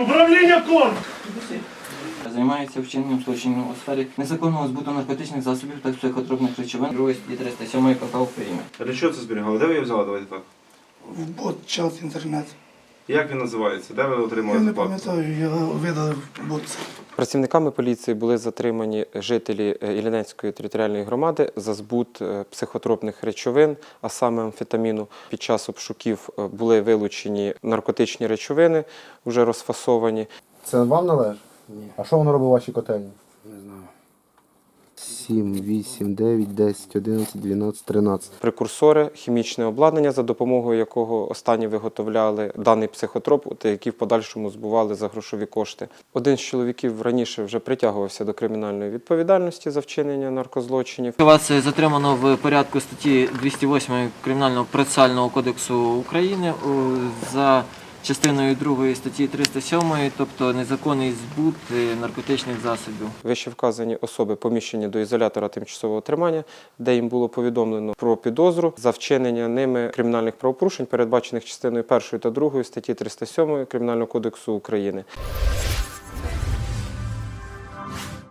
Управління КОР! Займається вчиненням злочинів у сфері незаконного збуту наркотичних засобів та психотропних речовин 2 статті 307 КП України. Для чого це зберігали? Де ви її взяли? Давайте так. В бот-чат інтернет. Як він називається? Де ви Я отримали не заплату? пам'ятаю, я видалив бот. Працівниками поліції були затримані жителі Іллінецької територіальної громади за збут психотропних речовин, а саме амфетаміну. Під час обшуків були вилучені наркотичні речовини, вже розфасовані. Це вам належить? Ні. А що воно робить у вашій котельні? Не знаю. 7, 8, 9, 10, 11, 12, 13. Прекурсори, хімічне обладнання, за допомогою якого останні виготовляли даний психотроп, які в подальшому збували за грошові кошти. Один з чоловіків раніше вже притягувався до кримінальної відповідальності за вчинення наркозлочинів. Вас затримано в порядку статті 208 Кримінального процесуального кодексу України за частиною 2 статті 307, тобто незаконний збут наркотичних засобів. Вище вказані особи поміщені до ізолятора тимчасового тримання, де їм було повідомлено про підозру за вчинення ними кримінальних правопорушень, передбачених частиною 1 та 2 статті 307 Кримінального кодексу України.